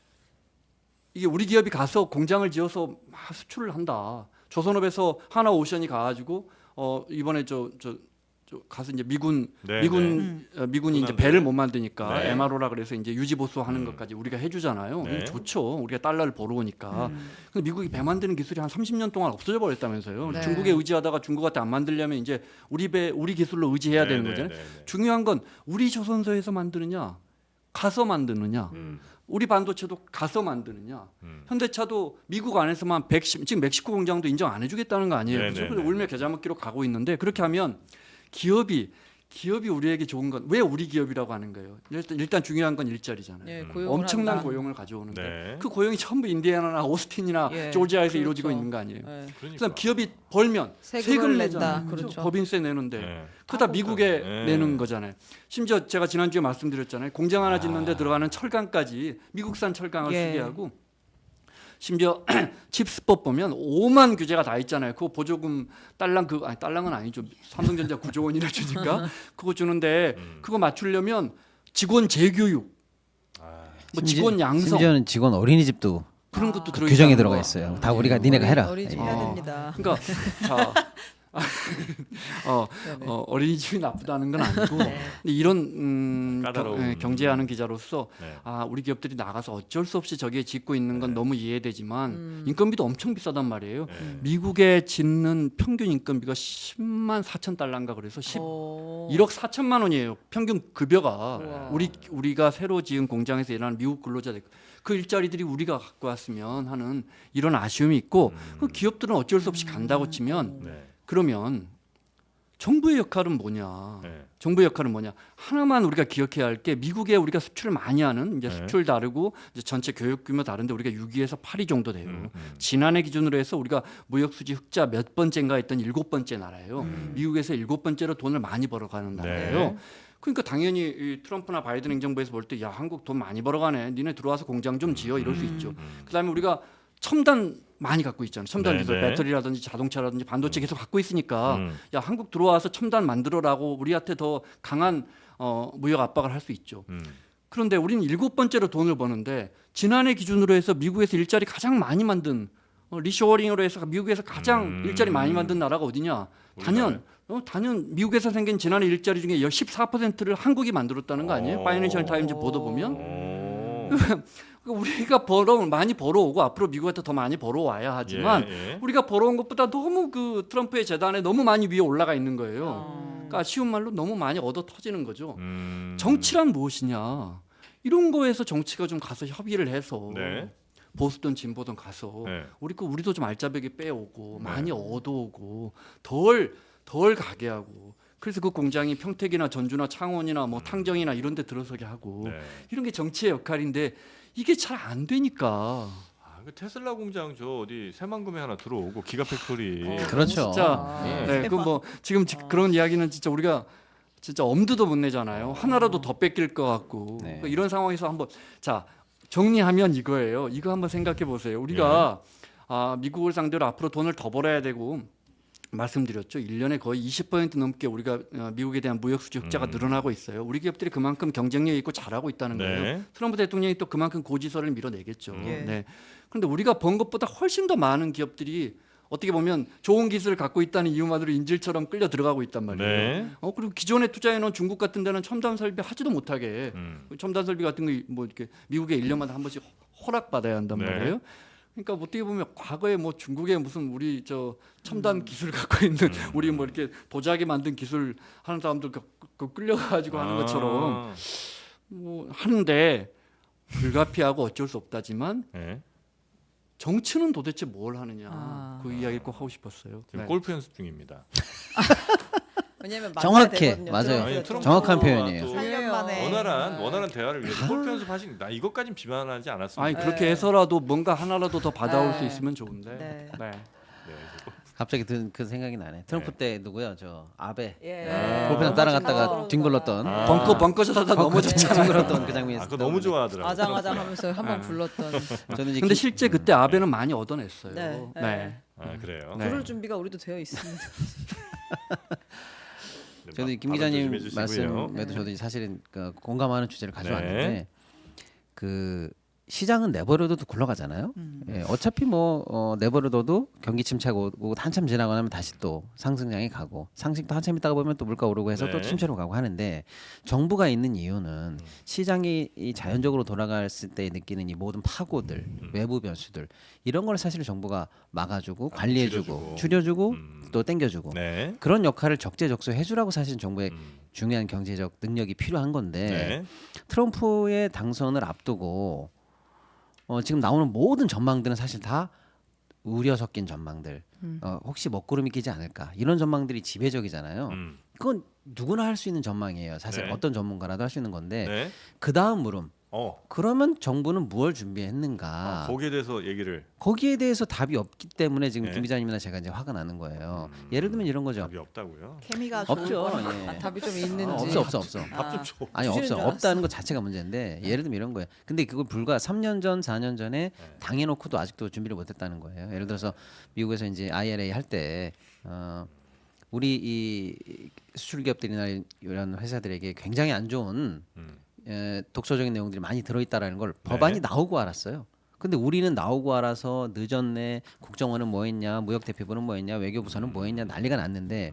Speaker 1: 이게 우리 기업이 가서 공장을 지어서 막 수출을 한다. 조선업에서 하나오션이 가가지고 이번에 저 가서 이제 미군이 이제
Speaker 2: 군함들.
Speaker 1: 배를 못 만드니까
Speaker 2: 네.
Speaker 1: MRO라 그래서 이제 유지 보수하는 것까지 우리가 해주잖아요.
Speaker 2: 네.
Speaker 1: 좋죠. 우리가 달러를 벌어오니까. 근데 미국이 배 만드는 기술이 한 30년 동안 없어져 버렸다면서요.
Speaker 3: 네.
Speaker 1: 중국에 의지하다가 중국한테 안 만들려면 이제 우리 기술로 의지해야 되는 거잖아요. 중요한 건 우리 조선소에서 만드느냐, 가서 만드느냐. 우리 반도체도 가서 만드느냐. 현대차도 미국 안에서만 지금 멕시코 공장도 인정 안 해주겠다는 거 아니에요. 그렇죠? 그래서 울며 겨자 먹기로 가고 있는데 그렇게 하면 기업이 우리에게 좋은 건 왜 우리 기업이라고 하는 거예요? 일단 중요한 건 일자리잖아요.
Speaker 3: 예, 고용을
Speaker 1: 엄청난
Speaker 3: 한다.
Speaker 1: 고용을 가져오는데
Speaker 2: 네.
Speaker 1: 그 고용이 전부 인디애나나 오스틴이나
Speaker 3: 예,
Speaker 1: 조지아에서
Speaker 3: 그렇죠.
Speaker 1: 이루어지고 있는 거 아니에요.
Speaker 3: 네.
Speaker 1: 그래서 기업이 벌면
Speaker 3: 세금을
Speaker 1: 세금을
Speaker 3: 낸다.
Speaker 1: 내잖아요.
Speaker 3: 그렇죠.
Speaker 1: 법인세 내는데
Speaker 2: 네.
Speaker 1: 그다 미국에
Speaker 2: 네.
Speaker 1: 내는 거잖아요. 심지어 제가 지난주에 말씀드렸잖아요. 공장 하나 짓는데 들어가는 철강까지 미국산 철강을
Speaker 3: 예.
Speaker 1: 쓰게 하고 심지어 칩스법 보면 5만 규제가 다 있잖아요. 그거 보조금 달랑은 아니죠. 삼성전자 9조 원이나 주니까 그거 주는데 그거 맞추려면 직원 재교육, 뭐 직원 양성
Speaker 4: 심지어는 직원 어린이집도
Speaker 1: 그런 것도 들어
Speaker 4: 규정에 들어가 있어요. 다 우리가 니네가 해라.
Speaker 3: 어린이집
Speaker 4: 예.
Speaker 3: 해야 됩니다.
Speaker 1: 그러니까 자, 어린이집이 나쁘다는 건 아니고 근데 이런
Speaker 2: 까다로운.
Speaker 1: 경제하는 기자로서
Speaker 2: 네.
Speaker 1: 우리 기업들이 나가서 어쩔 수 없이 저기에 짓고 있는 건 너무 이해되지만 인건비도 엄청 비싸단 말이에요. 미국에 짓는 평균 인건비가 10만 4천 달러인가 그래서 1억 4천만 원이에요. 평균 급여가
Speaker 3: 우와.
Speaker 1: 우리가 새로 지은 공장에서 일하는 미국 근로자들 그 일자리들이 우리가 갖고 왔으면 하는 이런 아쉬움이 있고 그 기업들은 어쩔 수 없이 간다고 치면
Speaker 2: 네.
Speaker 1: 그러면 정부의 역할은 뭐냐?
Speaker 2: 네.
Speaker 1: 정부의 역할은 뭐냐? 하나만 우리가 기억해야 할 게 미국에 우리가 수출을 많이 하는 이제
Speaker 2: 네.
Speaker 1: 수출 다르고 이제 전체 교육 규모 다른데 우리가 6위에서 8위 정도 돼요.
Speaker 2: 음.
Speaker 1: 지난해 기준으로 해서 우리가 무역 수지 흑자 몇 번째인가 했던 7번째 나라예요. 미국에서 7번째로 돈을 많이 벌어가는 나라예요.
Speaker 2: 네.
Speaker 1: 그러니까 당연히 이 트럼프나 바이든 행정부에서 볼 때 야 한국 돈 많이 벌어가네. 니네 들어와서 공장 좀 지어 이럴 수 있죠. 그다음에 우리가 첨단 많이 갖고 있잖아요. 첨단
Speaker 2: 네,
Speaker 1: 기술,
Speaker 2: 네.
Speaker 1: 배터리라든지 자동차라든지 반도체 계속 갖고 있으니까
Speaker 2: 음.
Speaker 1: 야 한국 들어와서 첨단 만들어라고 우리한테 더 강한 무역 압박을 할 수 있죠. 그런데 우리는 7번째로 돈을 버는데 지난해 기준으로 해서 미국에서 일자리 가장 많이 만든 리쇼어링으로 해서 미국에서 가장 일자리 많이 만든 나라가 어디냐? 단연 미국에서 생긴 지난해 일자리 중에 14%를 한국이 만들었다는 거 아니에요? 파이낸셜 타임즈 보도 보면 우리가 많이 벌어오고 앞으로 미국한테 더 많이 벌어와야 하지만
Speaker 2: 예.
Speaker 1: 우리가 벌어온 것보다 너무 그 트럼프의 재단에 너무 많이 위에 올라가 있는 거예요. 그러니까 쉬운 말로 너무 많이 얻어 터지는 거죠. 정치란 무엇이냐? 이런 거에서 정치가 좀 가서 협의를 해서
Speaker 2: 네.
Speaker 1: 보수든 진보든 가서
Speaker 2: 네.
Speaker 1: 우리도 좀 알짜배기 빼오고
Speaker 2: 네.
Speaker 1: 많이 얻어오고 덜 가게 하고 그래서 그 공장이 평택이나 전주나 창원이나 뭐 탕정이나 이런 데 들어서게 하고
Speaker 2: 네.
Speaker 1: 이런 게 정치의 역할인데 이게 잘 안 되니까
Speaker 2: 그 테슬라 공장 저 어디 새만금에 하나 들어오고 기가 팩토리.
Speaker 4: 그렇죠.
Speaker 1: 진짜
Speaker 4: 예.
Speaker 1: 네, 그 뭐 지금 그런 이야기는 진짜 우리가 진짜 엄두도 못 내잖아요. 하나라도 더 뺏길 것 같고
Speaker 4: 네.
Speaker 1: 그러니까 이런 상황에서 한번 자 정리하면 이거예요. 이거 한번 생각해 보세요. 우리가 미국을 상대로 앞으로 돈을 더 벌어야 되고 말씀드렸죠. 1년에 거의 20% 넘게 우리가 미국에 대한 무역 수지 흑자가 늘어나고 있어요. 우리 기업들이 그만큼 경쟁력 있고 잘하고 있다는 거예요.
Speaker 2: 네.
Speaker 1: 트럼프 대통령이 또 그만큼 고지서를 밀어내겠죠.
Speaker 3: 예.
Speaker 1: 네. 그런데 우리가 번 것보다 훨씬 더 많은 기업들이 어떻게 보면 좋은 기술을 갖고 있다는 이유만으로 인질처럼 끌려 들어가고 있단 말이에요.
Speaker 2: 네.
Speaker 1: 그리고 기존에 투자해놓은 중국 같은 데는 첨단 설비 하지도 못하게 첨단 설비 같은 거 뭐 이렇게 미국에 1년마다 한 번씩 허락 받아야 한단
Speaker 2: 네.
Speaker 1: 말이에요. 그러니까 어떻게 보면 과거에 뭐 중국에 무슨 우리 저 첨단 기술 갖고 있는 우리 뭐 이렇게 도자기 만든 기술 하는 사람들 끌려가지고 하는 것처럼 뭐 하는데 불가피하고 어쩔 수 없다지만
Speaker 2: 네.
Speaker 1: 정치는 도대체 뭘 하느냐
Speaker 3: 아.
Speaker 1: 그 이야기를 꼭 하고 싶었어요.
Speaker 2: 지금
Speaker 1: 네.
Speaker 2: 골프 연습 중입니다.
Speaker 3: 왜냐면
Speaker 4: 정확해.
Speaker 3: 되거든요.
Speaker 4: 맞아요.
Speaker 2: 아니,
Speaker 3: 트럼프가
Speaker 4: 정확한
Speaker 2: 트럼프가
Speaker 4: 표현이에요.
Speaker 2: 또
Speaker 3: 8년 만에
Speaker 2: 원활한 대화를 위해서 골프 연습하신 나 이것까진 비난하지 않았습니다.
Speaker 1: 아니
Speaker 3: 네.
Speaker 1: 그렇게 해서라도 뭔가 하나라도 더 받아올
Speaker 3: 네.
Speaker 1: 수 있으면 좋은데.
Speaker 3: 네.
Speaker 1: 네.
Speaker 2: 네, 그래서
Speaker 4: 갑자기 그 생각이 나네. 트럼프 때 누구요? 저 아베.
Speaker 3: 예.
Speaker 4: 골프장 따라갔다가 뒹굴렀던
Speaker 2: 아.
Speaker 1: 벙커샷하다 넘어졌잖아요.
Speaker 4: 뒹굴렀던 그 장면이
Speaker 2: 그거 너무 좋아하더라고요.
Speaker 3: 아장아장하면서 한번
Speaker 1: 네.
Speaker 3: 불렀던.
Speaker 4: 저는 이제
Speaker 1: 근데 실제 그때 아베는 많이 얻어냈어요.
Speaker 3: 네.
Speaker 1: 네.
Speaker 2: 아, 그래요.
Speaker 1: 네.
Speaker 3: 그럴 준비가 우리도 되어 있습니다.
Speaker 2: 네,
Speaker 4: 저도 김
Speaker 2: 발언
Speaker 4: 기자님
Speaker 2: 조심해 주시고요.
Speaker 4: 말씀에도 저도 사실은 그 공감하는 주제를 가져왔는데
Speaker 2: 네.
Speaker 4: 그 시장은 내버려둬도 굴러가잖아요. 예, 어차피 뭐 내버려둬도 경기 침체가 오고 한참 지나고 나면 다시 또 상승장에 가고 상승도 한참 있다가 보면 또 물가 오르고 해서 또
Speaker 2: 네.
Speaker 4: 침체로 가고 하는데 정부가 있는 이유는 시장이 이 자연적으로 돌아갔을 때 느끼는 이 모든 파고들, 외부 변수들 이런 걸 사실 정부가 막아주고 관리해주고 줄여주고 또 땡겨주고
Speaker 2: 네.
Speaker 4: 그런 역할을 적재적소 해주라고 사실 정부의
Speaker 2: 음.
Speaker 4: 중요한 경제적 능력이 필요한 건데
Speaker 2: 네.
Speaker 4: 트럼프의 당선을 앞두고 지금 나오는 모든 전망들은 사실 다 우려 섞인 전망들. 혹시 먹구름이 끼지 않을까 이런 전망들이 지배적이잖아요. 그건 누구나 할 수 있는 전망이에요. 사실
Speaker 2: 네.
Speaker 4: 어떤 전문가라도 할 수 있는 건데
Speaker 2: 네.
Speaker 4: 그 다음 물음.
Speaker 2: 어.
Speaker 4: 그러면 정부는 무엇을 준비했는가?
Speaker 2: 거기에 대해서 얘기를
Speaker 4: 거기에 대해서 답이 없기 때문에 지금
Speaker 2: 네.
Speaker 4: 김 기자님이나 제가 이제 화가 나는 거예요. 예를 들면 이런 거죠.
Speaker 2: 답이 없다고요.
Speaker 3: 케미가
Speaker 4: 없죠.
Speaker 3: 좋을 거라.
Speaker 4: 예.
Speaker 3: 답이 좀 있는지.
Speaker 4: 없어.
Speaker 2: 밥 좀 줘.
Speaker 4: 아니
Speaker 3: 주시는
Speaker 4: 없어.
Speaker 3: 줄 알았어.
Speaker 4: 없다는 것 자체가 문제인데 예를 들면 이런 거예요. 근데 그걸 불과 3년 전, 4년 전에 당해놓고도 아직도 준비를 못했다는 거예요. 예를 들어서 미국에서 이제 IRA 할 때 우리 이 수출 기업들이나 이런 회사들에게 굉장히 안 좋은 독소적인 내용들이 많이 들어있다라는 걸 법안이 나오고 알았어요. 근데 우리는 나오고 알아서 늦었네. 국정원은 뭐했냐, 무역대표부는 뭐했냐, 외교부서는 뭐했냐 난리가 났는데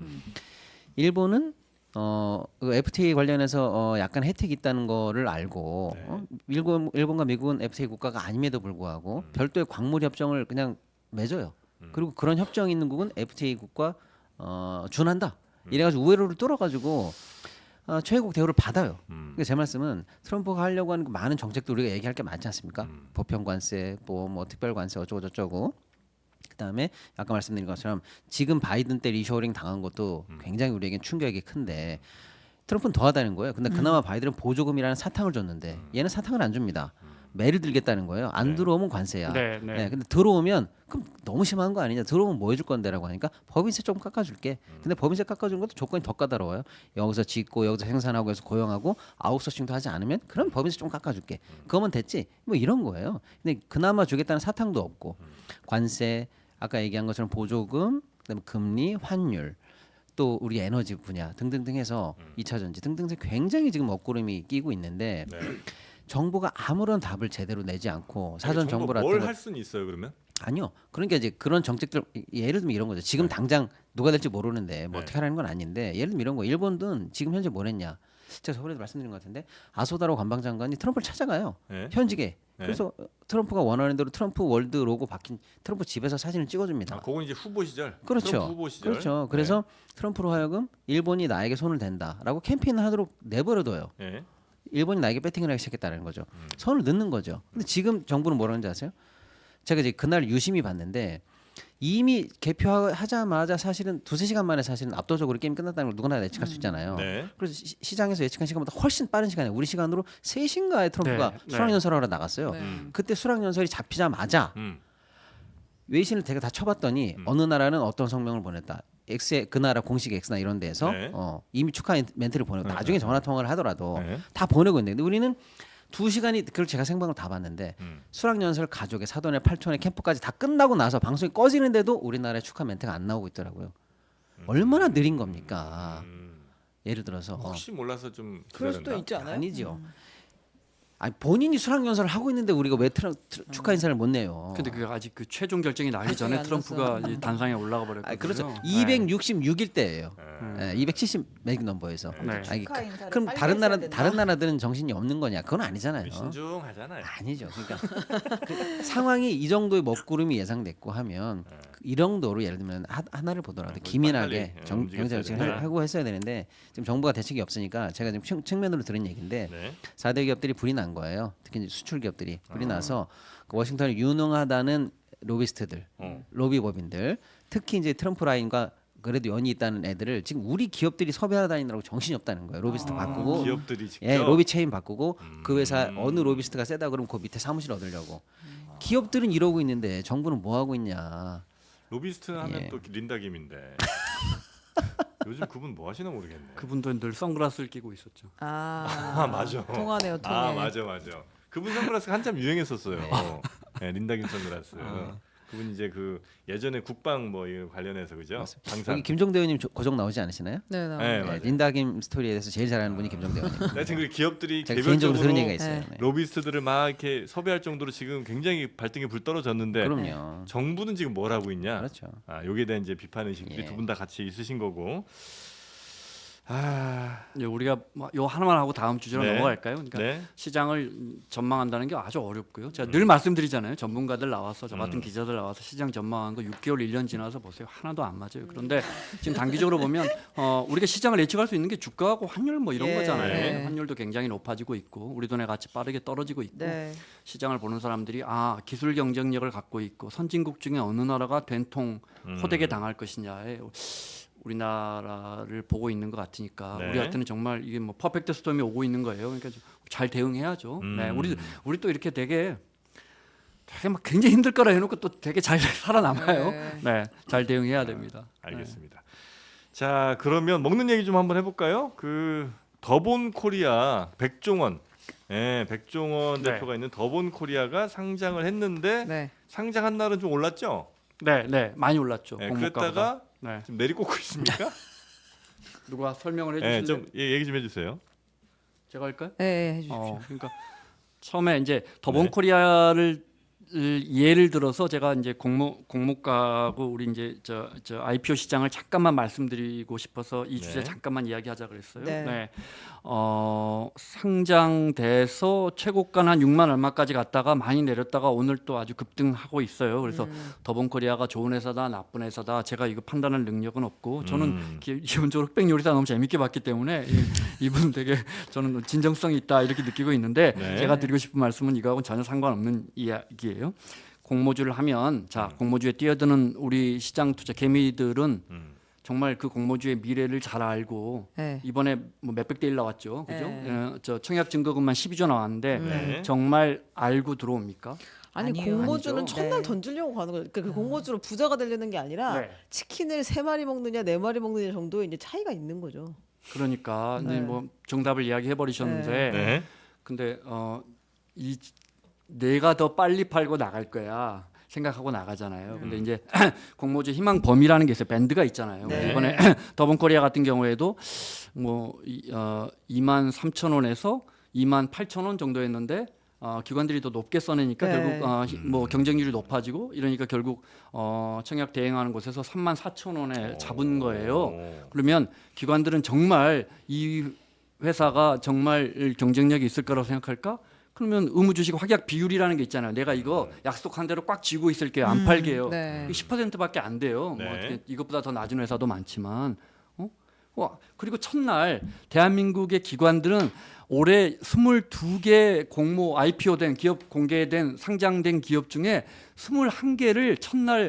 Speaker 4: 일본은 그 FTA 관련해서 약간 혜택이 있다는 거를 알고 일본과 미국은 FTA 국가가 아님에도 불구하고 별도의 광물 협정을 그냥 맺어요. 그리고 그런 협정이 있는 국은 FTA 국가 준한다. 이래가지고 우회로를 뚫어가지고 최고국 대우를 받아요. 그러니까 제 말씀은 트럼프가 하려고 하는 그 많은 정책도 우리가 얘기할 게 많지 않습니까? 보편 관세, 뭐 특별 관세 어쩌고 저쩌고. 그다음에 아까 말씀드린 것처럼 지금 바이든 때 리쇼어링 당한 것도 굉장히 우리에겐 충격이 큰데 트럼프는 더하다는 거예요. 근데 그나마 바이든은 보조금이라는 사탕을 줬는데 얘는 사탕을 안 줍니다. 매를 들겠다는 거예요. 안 들어오면 관세야.
Speaker 1: 네.
Speaker 4: 근데 들어오면 그럼 너무 심한 거 아니냐? 들어오면 뭐 해줄 건데라고 하니까 법인세 좀 깎아줄게. 근데 법인세 깎아주는 것도 조건이 더 까다로워요. 여기서 짓고 여기서 생산하고 해서 고용하고 아웃소싱도 하지 않으면 그럼 법인세 좀 깎아줄게. 그거면 됐지. 뭐 이런 거예요. 근데 그나마 주겠다는 사탕도 없고 관세 아까 얘기한 것처럼 보조금, 그다음에 금리, 환율. 또 우리 에너지 분야 등등등 해서 2차 전지 등등 해서 굉장히 지금 먹구름이 끼고 있는데 정부가 아무런 답을 제대로 내지 않고 사전 정보를
Speaker 2: 뭘할 수는 있어요 그러면?
Speaker 4: 아니요. 그러니까 이제 그런 정책들 예를 들면 이런 거죠. 지금 당장 누가 될지 모르는데 뭐 어떻게 하라는 건 아닌데 예를 들면 이런 거 일본은 지금 현재 뭘 했냐. 제가 저번에도 말씀드린 것 같은데 아소다로 관방장관이 트럼프를 찾아가요. 현직에. 그래서 트럼프가 원하는 대로 트럼프 월드 로고 박힌 트럼프 집에서 사진을 찍어줍니다.
Speaker 2: 그건 이제 후보 시절.
Speaker 4: 그렇죠.
Speaker 2: 트럼프 후보 시절.
Speaker 4: 그렇죠. 그래서 트럼프로 하여금 일본이 나에게 손을 댄다라고 캠페인을 하도록 내버려둬요. 일본이 나에게 배팅을 하기 시작했다는 거죠. 손을 넣는 거죠. 근데 지금 정부는 뭐라는지 아세요? 제가 이제 그날 유심히 봤는데 이미 개표하자마자 사실은 두세 시간 만에 사실은 압도적으로 게임 끝났다는 걸 누구나 예측할 수 있잖아요.
Speaker 2: 네.
Speaker 4: 그래서 시장에서 예측한 시간보다 훨씬 빠른 시간에 우리 시간으로 3시인가에 트럼프가
Speaker 1: 네, 네.
Speaker 4: 수락연설하러 나갔어요.
Speaker 3: 네.
Speaker 4: 그때 수락연설이 잡히자마자 외신을 되게 다 쳐봤더니 어느 나라는 어떤 성명을 보냈다. X의 그 나라 공식 X나 이런 데에서
Speaker 2: 네.
Speaker 4: 이미 축하 멘트를 보내고 나중에 전화 통화를 하더라도
Speaker 2: 네.
Speaker 4: 다 보내고 있는데 근데 우리는 2시간이 그걸 제가 생방을 다 봤는데 수락연설 가족의 사돈의 팔촌의 캠프까지 다 끝나고 나서 방송이 꺼지는데도 우리나라의 축하 멘트가 안 나오고 있더라고요. 얼마나 느린 겁니까? 예를 들어서
Speaker 2: 혹시 몰라서 좀
Speaker 3: 그럴 수도
Speaker 2: 기다렸나?
Speaker 3: 있지 않아요?
Speaker 4: 아니죠. 아니 본인이 수락연설을 하고 있는데 우리가 왜 축하 인사를 못 내요?
Speaker 1: 근데 그 아직 그 최종 결정이 나기
Speaker 3: 아직
Speaker 1: 전에
Speaker 3: 안
Speaker 1: 트럼프가
Speaker 3: 났어요.
Speaker 1: 이 단상에 올라가 버렸거든요.
Speaker 4: 그렇죠.
Speaker 1: 네.
Speaker 4: 266일 때예요. 270 맥 넘버에서.
Speaker 1: 네.
Speaker 4: 아니,
Speaker 3: 축하 인사를
Speaker 4: 그럼
Speaker 3: 빨리
Speaker 4: 다른 나라
Speaker 3: 했어야 된다.
Speaker 4: 다른 나라들은 정신이 없는 거냐? 그건 아니잖아요.
Speaker 2: 신중하잖아요.
Speaker 4: 아니죠. 그러니까 그 상황이 이 정도의 먹구름이 예상됐고 하면 이 정도로 예를 들면 하나를 보더라도
Speaker 2: 빨리
Speaker 4: 기민하게
Speaker 2: 빨리,
Speaker 4: 경제
Speaker 2: 움직였어야
Speaker 4: 정책을
Speaker 2: 된다.
Speaker 4: 하고 했어야 되는데 지금 정부가 대책이 없으니까 제가 지금 측면으로 들은 얘기인데
Speaker 2: 네.
Speaker 4: 4대 기업들이 불이 난 거예요. 특히 이제 수출 기업들이 불이 나서 그 워싱턴에 유능하다는 로비스트들, 로비법인들, 특히 이제 트럼프 라인과 그래도 연이 있다는 애들을 지금 우리 기업들이 섭외하러 다니느라고 정신이 없다는 거예요. 로비스트 바꾸고
Speaker 2: 기업들이 직접
Speaker 4: 예, 로비 체인 바꾸고 그 회사 어느 로비스트가 세다 그러면 그 밑에 사무실 얻으려고. 기업들은 이러고 있는데 정부는 뭐 하고 있냐.
Speaker 2: 로비스트 하면
Speaker 4: 예.
Speaker 2: 또 린다 김인데 요즘 그분 뭐 하시나 모르겠네.
Speaker 1: 그분도 늘 선글라스를 끼고 있었죠.
Speaker 2: 아, 맞아.
Speaker 3: 통하네요, 통해.
Speaker 2: 아 맞아. 그분 선글라스가 한참 유행했었어요. 네, 린다 김 선글라스. 그분 이제 그 예전에 국방 뭐 이거 관련해서 그죠? 방산.
Speaker 4: 여기 김종대 의원님 고정 나오지 않으시나요?
Speaker 3: 네,
Speaker 2: 네,
Speaker 3: 네.
Speaker 2: 맞아요.
Speaker 4: 린다김 스토리에 대해서 제일 잘하는 분이 김종대 의원님.
Speaker 2: 하여튼 그 기업들이
Speaker 4: 제가 개인적으로 들은 얘기가
Speaker 2: 개별적으로
Speaker 4: 있어요.
Speaker 3: 네.
Speaker 4: 네.
Speaker 2: 로비스트들을 막 이렇게 섭외할 정도로 지금 굉장히 발등에 불 떨어졌는데
Speaker 4: 그럼요.
Speaker 2: 정부는 지금 뭘 하고 있냐?
Speaker 4: 그렇죠.
Speaker 2: 아, 여기에 대한 이제 비판 의식들이
Speaker 4: 예.
Speaker 2: 두 분 다 같이 있으신 거고. 아,
Speaker 1: 이제 우리가 요 하나만 하고 다음 주제로
Speaker 2: 네.
Speaker 1: 넘어갈까요? 그러니까
Speaker 2: 네.
Speaker 1: 시장을 전망한다는 게 아주 어렵고요. 제가 늘 말씀드리잖아요. 전문가들 나와서 저 같은 기자들 나와서 시장 전망한 거 6개월, 1년 지나서 보세요. 하나도 안 맞아요. 그런데 지금 단기적으로 보면 우리가 시장을 예측할 수 있는 게 주가하고 환율 뭐 이런
Speaker 3: 예.
Speaker 1: 거잖아요.
Speaker 3: 네.
Speaker 1: 환율도 굉장히 높아지고 있고 우리 돈의 가치 빠르게 떨어지고 있고
Speaker 3: 네.
Speaker 1: 시장을 보는 사람들이 기술 경쟁력을 갖고 있고 선진국 중에 어느 나라가 된통 호되게 당할 것이냐에 우리나라를 보고 있는 것 같으니까
Speaker 2: 네.
Speaker 1: 우리한테는 정말 이게 뭐 퍼펙트 스톰이 오고 있는 거예요. 그러니까 잘 대응해야죠. 네, 우리 또 이렇게 되게 막 굉장히 힘들 거라 해놓고 또 되게 잘 살아남아요.
Speaker 3: 네.
Speaker 1: 네, 잘 대응해야 됩니다.
Speaker 2: 알겠습니다. 자, 그러면 먹는 얘기 좀 한번 해볼까요? 그 더본 코리아 백종원, 백종원
Speaker 1: 네.
Speaker 2: 대표가 있는 더본 코리아가 상장을 했는데
Speaker 3: 네.
Speaker 2: 상장한 날은 좀 올랐죠?
Speaker 1: 네, 네, 많이 올랐죠.
Speaker 2: 네,
Speaker 1: 공모가보다.
Speaker 2: 그랬다가
Speaker 1: 네,
Speaker 2: 지금 내리꽂고 있습니까?
Speaker 1: 누가 설명을
Speaker 2: 네,
Speaker 1: 해주실래요?
Speaker 2: 좀 얘기 좀 해주세요.
Speaker 1: 제가 할까요?
Speaker 3: 네, 해주십시오.
Speaker 1: 그러니까 처음에 이제 더본
Speaker 2: 네.
Speaker 1: 코리아를 예를 들어서 제가 이제 공모가하고 우리 이제 저 IPO 시장을 잠깐만 말씀드리고 싶어서 이 주제
Speaker 2: 네.
Speaker 1: 잠깐만 이야기하자 그랬어요.
Speaker 3: 네.
Speaker 1: 네. 상장돼서 최고가는 한 6만 얼마까지 갔다가 많이 내렸다가 오늘 또 아주 급등하고 있어요. 그래서 더본 코리아가 좋은 회사다 나쁜 회사다 제가 이거 판단할 능력은 없고 저는 기본적으로 흑백 요리사 너무 재밌게 봤기 때문에 이분 되게 저는 진정성이 있다 이렇게 느끼고 있는데
Speaker 2: 네.
Speaker 1: 제가 드리고 싶은 말씀은 이거하고는 전혀 상관없는 이야기예요. 공모주를 하면 공모주에 뛰어드는 우리 시장 투자 개미들은 정말 그 공모주의 미래를 잘 알고
Speaker 3: 네.
Speaker 1: 이번에 뭐 몇백 대 1 나왔죠, 그죠?
Speaker 3: 네.
Speaker 1: 저 청약 증거금만 12조 나왔는데
Speaker 2: 네.
Speaker 1: 정말 알고 들어옵니까?
Speaker 3: 아니
Speaker 5: 아니에요.
Speaker 3: 공모주는
Speaker 1: 아니죠.
Speaker 3: 첫날
Speaker 5: 네.
Speaker 3: 던지려고 가는 거예요. 그러니까 그 공모주로 부자가 되려는 게 아니라
Speaker 1: 네.
Speaker 3: 치킨을 3마리 먹느냐 4마리 먹느냐 정도의 이제 차이가 있는 거죠.
Speaker 1: 그러니까
Speaker 3: 네.
Speaker 1: 이제 뭐 정답을 이야기해 버리셨는데,
Speaker 2: 네.
Speaker 1: 근데 이 내가 더 빨리 팔고 나갈 거야. 생각하고 나가잖아요. 근데 이제 공모주 희망 범위라는 게 있어요. 밴드가 있잖아요.
Speaker 3: 네.
Speaker 1: 이번에 더본코리아 같은 경우에도 뭐 2만 3천 원에서 2만 8천 원 정도였는데 기관들이 더 높게 써내니까
Speaker 3: 네.
Speaker 1: 결국 뭐 경쟁률이 높아지고 이러니까 결국 청약 대행하는 곳에서 3만 4천 원에 잡은 거예요. 그러면 기관들은 정말 이 회사가 정말 경쟁력이 있을 거라고 생각할까? 그러면 의무주식 확약 비율이라는 게 있잖아요. 내가 이거 약속한 대로 꽉 쥐고 있을게요. 안 팔게요.
Speaker 3: 네.
Speaker 1: 10%밖에 안 돼요.
Speaker 2: 네.
Speaker 1: 뭐 어떻게 이것보다 더 낮은 회사도 많지만. 그리고 첫날 대한민국의 기관들은 올해 22개 공모 IPO된 기업 공개된 상장된 기업 중에 21개를 첫날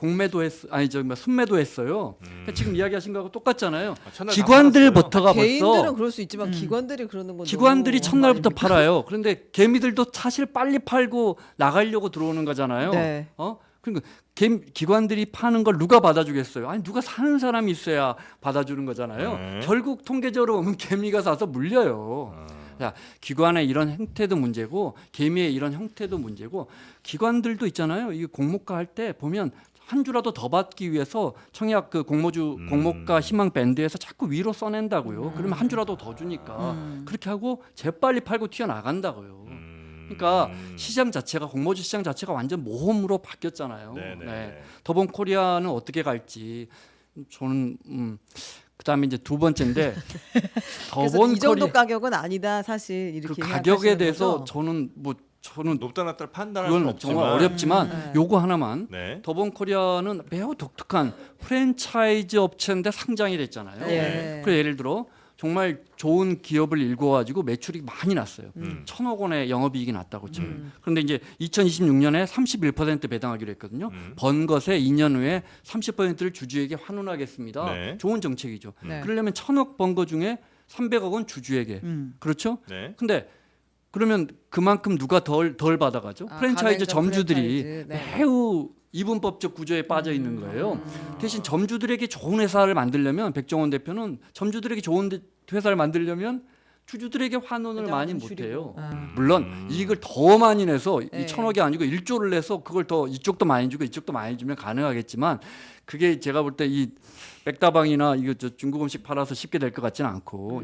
Speaker 1: 공매도 순매도 했어요. 그러니까 지금 이야기하신 거하고 똑같잖아요.
Speaker 2: 첫날 다
Speaker 1: 기관들부터가
Speaker 3: 개인들은
Speaker 1: 벌써
Speaker 3: 그럴 수 있지만 기관들이 그러는 건
Speaker 1: 기관들이
Speaker 3: 너무
Speaker 1: 첫날부터
Speaker 3: 아닙니까?
Speaker 1: 팔아요. 그런데 개미들도 사실 빨리 팔고 나가려고 들어오는 거잖아요.
Speaker 3: 네.
Speaker 1: 그러니까 기관들이 파는 걸 누가 받아주겠어요? 아니 누가 사는 사람이 있어야 받아주는 거잖아요.
Speaker 2: 네.
Speaker 1: 결국 통계적으로 보면 개미가 사서 물려요. 자, 기관의 이런 형태도 문제고 개미의 이런 형태도 문제고 기관들도 있잖아요. 이 공모가 할 때 보면 한 주라도 더 받기 위해서 청약 그 공모가 희망 밴드에서 자꾸 위로 써낸다고요. 그러면 한 주라도 더 주니까 그렇게 하고 재빨리 팔고 튀어나간다고요. 그러니까 시장 자체가 공모주 시장 자체가 완전 모험으로 바뀌었잖아요.
Speaker 2: 네네.
Speaker 1: 네. 더본 코리아는 어떻게 갈지 저는 그다음에 이제 두 번째인데
Speaker 3: 그래서
Speaker 1: 더본
Speaker 3: 이 정도
Speaker 1: 코리아
Speaker 3: 가격은 아니다 사실 이렇게
Speaker 1: 그 가격에
Speaker 3: 생각하시는
Speaker 1: 대해서
Speaker 3: 거죠?
Speaker 1: 저는
Speaker 2: 높다 낮다 판단할 수
Speaker 1: 그건
Speaker 2: 없지만
Speaker 1: 정말 어렵지만
Speaker 3: 네.
Speaker 1: 요거 하나만
Speaker 2: 네.
Speaker 1: 더본 코리아는 매우 독특한 프랜차이즈 업체인데 상장이 됐잖아요.
Speaker 3: 네.
Speaker 1: 그래서 예를 들어 정말 좋은 기업을 일궈가지고 매출이 많이 났어요. 1,000억 원의 영업이익이 났다고 쳐요. 그런데 이제 2026년에 31% 배당하기로 했거든요. 번 것에 2년 후에 30%를 주주에게 환원하겠습니다.
Speaker 2: 네.
Speaker 1: 좋은 정책이죠.
Speaker 3: 네.
Speaker 1: 그러려면 1,000억 번 거 중에 300억은 주주에게. 그렇죠?
Speaker 2: 네.
Speaker 1: 근데 그러면 그만큼 누가 덜 받아가죠? 프랜차이즈
Speaker 3: 가맹점
Speaker 1: 점주들이
Speaker 3: 프랜차이즈. 네.
Speaker 1: 매우 이분법적 구조에 빠져 있는 거예요. 대신 점주들에게 좋은 회사를 만들려면 백종원 대표는 점주들에게 좋은 회사를 만들려면 주주들에게 환원을 많이
Speaker 3: 회장은 줄이고.
Speaker 1: 못해요. 물론 이익을 더 많이 내서
Speaker 3: 네.
Speaker 1: 이 1,000억이 아니고 1조를 내서 그걸 더 이쪽도 많이 주고 이쪽도 많이 주면 가능하겠지만 그게 제가 볼 때 이 백다방이나 이거 중국 음식 팔아서 쉽게 될 것 같지는 않고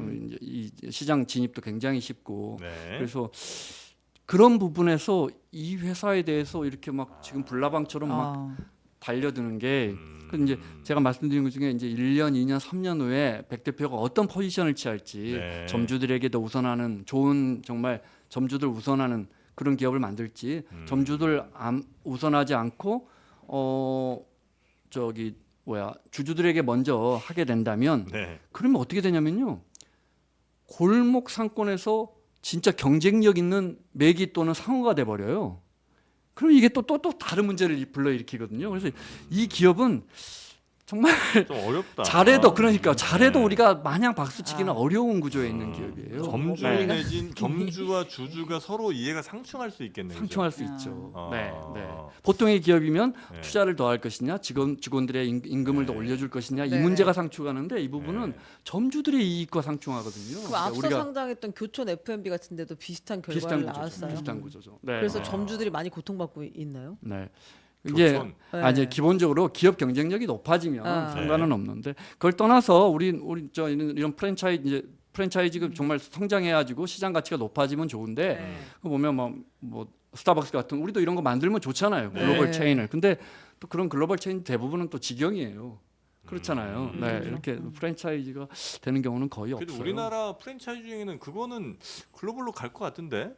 Speaker 1: 이 시장 진입도 굉장히 쉽고
Speaker 2: 네.
Speaker 1: 그래서 그런 부분에서 이 회사에 대해서 이렇게 막 지금 불나방처럼 막 달려드는 게 그 이제 제가 말씀드린 것 중에 이제 1년, 2년, 3년 후에 백 대표가 어떤 포지션을 취할지
Speaker 2: 네.
Speaker 1: 점주들에게도 우선하는 좋은 정말 점주들 우선하는 그런 기업을 만들지 점주들 우선하지 않고 주주들에게 먼저 하게 된다면
Speaker 2: 네.
Speaker 1: 그러면 어떻게 되냐면요. 골목 상권에서 진짜 경쟁력 있는 매기 또는 상호가 돼 버려요. 그럼 이게 또 다른 문제를 불러일으키거든요. 그래서 이 기업은 정말
Speaker 2: 좀 어렵다.
Speaker 1: 잘해도 잘해도
Speaker 2: 네.
Speaker 1: 우리가 마냥 박수치기는 어려운 구조에 있는 기업이에요.
Speaker 2: 점주
Speaker 1: 네.
Speaker 2: 내진 점주와 주주가 서로 이해가 상충할 수 있겠네요.
Speaker 1: 상충할 수 있죠.
Speaker 2: 아.
Speaker 1: 네. 보통의 기업이면
Speaker 2: 네.
Speaker 1: 투자를 더 할 것이냐, 직원들의 임금을 더 올려줄 것이냐 이
Speaker 3: 네.
Speaker 1: 문제가 상충하는데 이 부분은
Speaker 2: 네.
Speaker 1: 점주들의 이익과 상충하거든요.
Speaker 3: 그럼
Speaker 1: 그러니까
Speaker 3: 앞서 상장했던 교촌 F&B 같은 데도 비슷한 결과를 나왔어요.
Speaker 1: 비슷한 구조죠. 네.
Speaker 3: 그래서 점주들이 많이 고통받고 있나요?
Speaker 1: 네. 이게
Speaker 2: 교촌.
Speaker 1: 이제
Speaker 3: 네.
Speaker 1: 기본적으로 기업 경쟁력이 높아지면 상관은 없는데 그걸 떠나서 우리 이런 프랜차이즈가 정말 성장해가지고 시장 가치가 높아지면 좋은데 그거 보면 뭐 스타벅스 같은 우리도 이런 거 만들면 좋잖아요. 글로벌
Speaker 3: 네.
Speaker 1: 체인을. 근데 또 그런 글로벌 체인 대부분은 또 직영이에요. 그렇잖아요. 네, 이렇게 프랜차이즈가 되는 경우는 거의
Speaker 2: 그래도
Speaker 1: 없어요.
Speaker 2: 우리나라 프랜차이즈 중에는 그거는 글로벌로 갈 것 같은데.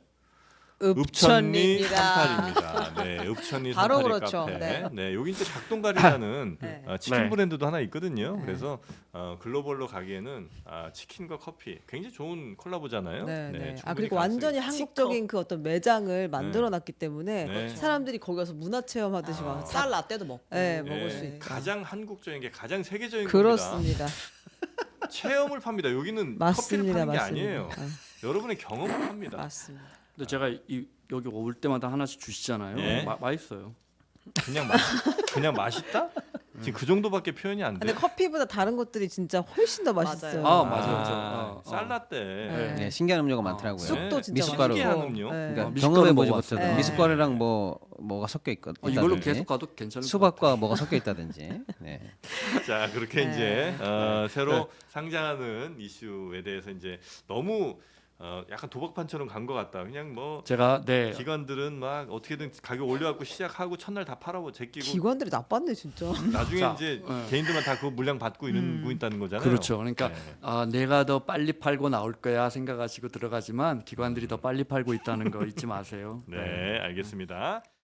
Speaker 3: 읍천리입니다.
Speaker 2: 삼팔입니다. 네, 읍천리
Speaker 3: 바로
Speaker 2: 삼팔이
Speaker 3: 그렇죠.
Speaker 2: 카페.
Speaker 3: 네.
Speaker 2: 네, 여기 이제 닭동가리라는
Speaker 3: 네.
Speaker 2: 치킨
Speaker 1: 네.
Speaker 2: 브랜드도 하나 있거든요. 그래서 글로벌로 가기에는 치킨과 커피 굉장히 좋은 콜라보잖아요.
Speaker 3: 네, 네.
Speaker 2: 충분히
Speaker 3: 그리고
Speaker 2: 가능성이
Speaker 3: 완전히
Speaker 2: 있죠.
Speaker 3: 한국적인 그 어떤 매장을 만들어놨기 때문에
Speaker 2: 네.
Speaker 3: 사람들이 거기 가서 문화 체험하듯이 막
Speaker 5: 쌀 라떼도 먹고.
Speaker 3: 네,
Speaker 2: 네,
Speaker 3: 먹을 수 있다.
Speaker 2: 가장 한국적인 게 가장 세계적인 겁니다.
Speaker 3: 그렇습니다.
Speaker 2: 체험을 팝니다. 여기는 커피를
Speaker 3: 맞습니다,
Speaker 2: 파는 게
Speaker 3: 맞습니다.
Speaker 2: 아니에요. 여러분의 경험을 팝니다.
Speaker 3: 맞습니다.
Speaker 1: 근데 제가 여기 올 때마다 하나씩 주시잖아요.
Speaker 2: 예.
Speaker 1: 맛있어요.
Speaker 2: 그냥 맛있다? 지금 그 정도밖에 표현이 안 돼.
Speaker 3: 근데 커피보다 다른 것들이 진짜 훨씬 더 맛있어요.
Speaker 1: 아, 맞아요.
Speaker 2: 쌀라떼.
Speaker 3: 네.
Speaker 4: 네, 신기한 음료가 많더라고요.
Speaker 3: 쑥도 진짜
Speaker 4: 미숫가루.
Speaker 2: 신기한
Speaker 3: 맛있고.
Speaker 2: 음료.
Speaker 3: 네.
Speaker 4: 그러니까
Speaker 1: 미숫가루
Speaker 4: 경험해 보지
Speaker 1: 먹어봤어요.
Speaker 4: 못했던
Speaker 3: 네.
Speaker 4: 미숫가루랑 뭐가 섞여 있거든요.
Speaker 1: 이걸로 계속 가도 괜찮을 것 같아요.
Speaker 4: 수박과 뭐가 섞여 있다든지. 네.
Speaker 2: 자 그렇게
Speaker 3: 네.
Speaker 2: 이제 새로 상장하는 이슈에 대해서 이제 너무 약간 도박판처럼 간 것 같다. 그냥 뭐
Speaker 1: 제가
Speaker 2: 기관들은 막 어떻게든 가격 올려갖고 시작하고 첫날 다 팔아고 제끼고
Speaker 3: 기관들이 나빴네 진짜.
Speaker 2: 나중에
Speaker 1: 자,
Speaker 2: 이제
Speaker 1: 네.
Speaker 2: 개인들만 다 그 물량 받고 있다는 거잖아요.
Speaker 1: 그렇죠. 그러니까
Speaker 2: 네.
Speaker 1: 내가 더 빨리 팔고 나올 거야 생각하시고 들어가지만 기관들이 더 빨리 팔고 있다는 거 잊지 마세요.
Speaker 2: 네, 알겠습니다.